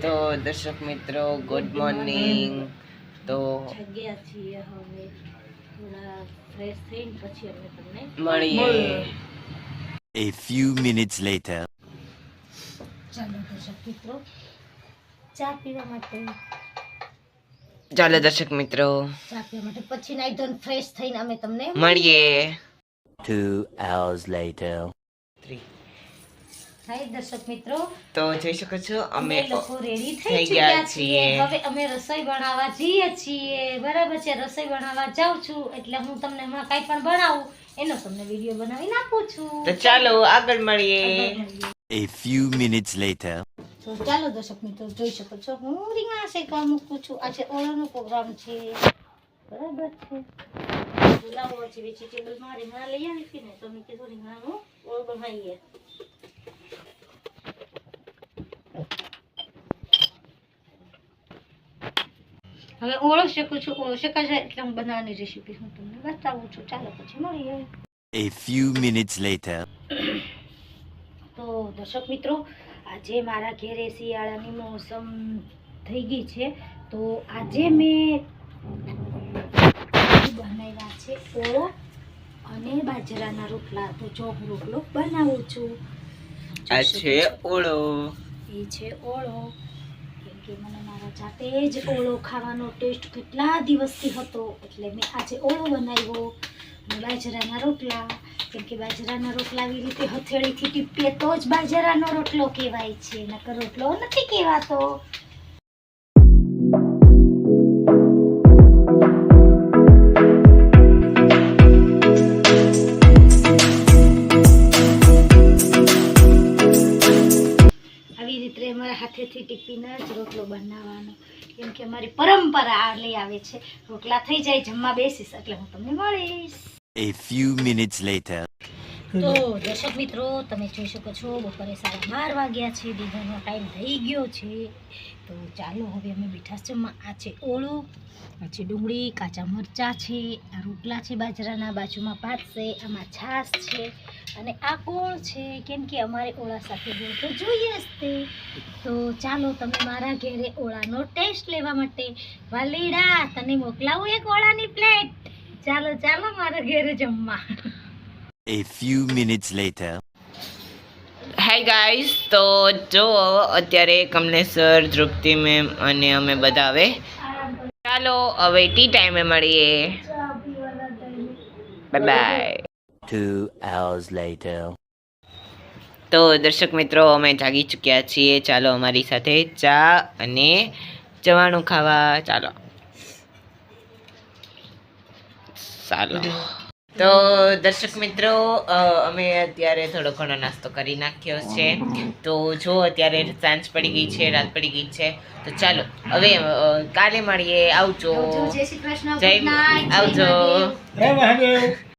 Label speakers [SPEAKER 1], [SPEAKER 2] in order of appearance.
[SPEAKER 1] તો દર્શક મિત્રો ગુડ મોર્નિંગ. તો
[SPEAKER 2] જગ્યા છીએ હવે થોડા ફ્રેશ થઈને પછી અમે તમને
[SPEAKER 1] મળીએ.
[SPEAKER 3] A few minutes later.
[SPEAKER 2] ચાલો દર્શક મિત્રો ચા પીવા માટે
[SPEAKER 1] ચાલો દર્શક મિત્રો
[SPEAKER 2] પછી નાઈ ધોઈને ફ્રેશ થઈને અમે તમને
[SPEAKER 1] મળીએ.
[SPEAKER 3] 2 hours later.
[SPEAKER 2] હાય દર્શક મિત્રો,
[SPEAKER 1] તો જોઈ શકો છો અમે
[SPEAKER 2] લોકો રેડી
[SPEAKER 1] થઈ
[SPEAKER 2] થઈ
[SPEAKER 1] ગયા
[SPEAKER 2] ગયા છીએ.
[SPEAKER 1] છીએ.
[SPEAKER 2] હવે અમે રસોઈ બનાવવા જઈએ છીએ. બરાબર છે, રસોઈ બનાવવા જાઉં છું એટલે હું તમને હમણાં કાંઈ પણ બનાવું એનો તમને વિડીયો બનાવી નાખું છું.
[SPEAKER 1] તો ચાલો આગળ મળીએ.
[SPEAKER 3] A few minutes later.
[SPEAKER 2] તો ચાલો દર્શક મિત્રો જોઈ શકો છો હું રીંગણા શેકવા મૂકું છું. આજે ઓળોનો પ્રોગ્રામ છે. બરાબર છે, બોલાવો છે વેજીટેબલ માં રીંગણા લઈ આવી હતી ને તો મેં કીધું રીંગણાનું ઓળ બનાવીએ. હવે ઓળો શેકું છું. ઓળો શેકાશે એટલે હું બનાવવાની રેસીપી હું તમને બતાવું છું. ચાલો પછી મળીએ.
[SPEAKER 3] A few minutes later.
[SPEAKER 2] તો દર્શક મિત્રો, આજે મારા ઘેરે શિયાળાની મોસમ થઈ ગઈ છે તો આજે મેં બનાવ્યા છે ઓળો અને બાજરાના રોટલા. તો જો હું રોટલો બનાવું છું.
[SPEAKER 1] આ છે ઓળો.
[SPEAKER 2] એ છે ઓળો. કેમ કે મને મારા જાતે જ ઓળો ખાવાનો ટેસ્ટ કેટલા દિવસથી હતો એટલે મેં આજે ઓળો બનાવ્યો. અને બાજરાના રોટલા, કેમ કે બાજરાના રોટલા આવી રીતે હથેળીથી ટીપીએ તો જ બાજરાનો રોટલો કહેવાય છે, નકર રોટલો નથી કહેવાતો. આવી રીતે અમારા હાથેથી ટીપીને જ રોટલો બનાવવાનો, કેમ કે અમારી પરંપરા લઈ આવે છે. રોટલા થઈ જાય, જમવા બેસીશ એટલે હું તમને મળીશ.
[SPEAKER 3] A few minutes later.
[SPEAKER 2] તો દર્શક મિત્રો, તમે જોઈ શકો છો બપોરે 12:30 વાગ્યા છે. ડિનરનો ટાઈમ થઈ ગયો છે. તો ચાલો હવે અમે મીઠાશ જમવા. આ છે ઓળો, આ છે ડુંગળી, કાચા મરચાં છે, આ રોટલા છે બાજરાના, બાજુમાં ભાત છે, આમાં છાશ છે અને આ ગોળ છે, કેમ કે અમારે ઓળા સાથે ગોળ તો જોઈએ જ તે. તો ચાલો તમે મારા ઘરે ઓળાનો ટેસ્ટ લેવા માટે વાલીડા તને મોકલાવું એક ઓળાની પ્લેટ. ચાલો ચાલો મારા ઘરે જમવા.
[SPEAKER 3] A few minutes later.
[SPEAKER 1] Hi guys, તો જો અત્યારે કમલેશ્વર, ધ્રુપતિ મેમ અને અમે બધા હવે ચાલો હવે ટી ટાઈમે મળીએ. Bye bye.
[SPEAKER 3] 2 hours later.
[SPEAKER 1] તો દર્શક મિત્રો, અમે જાગી ચૂક્યા છીએ. ચાલો અમારી સાથે ચા અને ચવાણું ખાવા ચાલો. ચાલો તો દર્શક મિત્રો, અમે અત્યારે થોડો ઘણો નાસ્તો કરી નાખ્યો છે. તો જો અત્યારે સાંજ પડી ગઈ છે, રાત પડી ગઈ છે. તો ચાલો હવે કાલે મળીએ. આવજો.
[SPEAKER 2] જય શ્રી કૃષ્ણ.
[SPEAKER 1] જય
[SPEAKER 2] Good night.
[SPEAKER 1] આવજો.
[SPEAKER 2] જય મહાદેવ.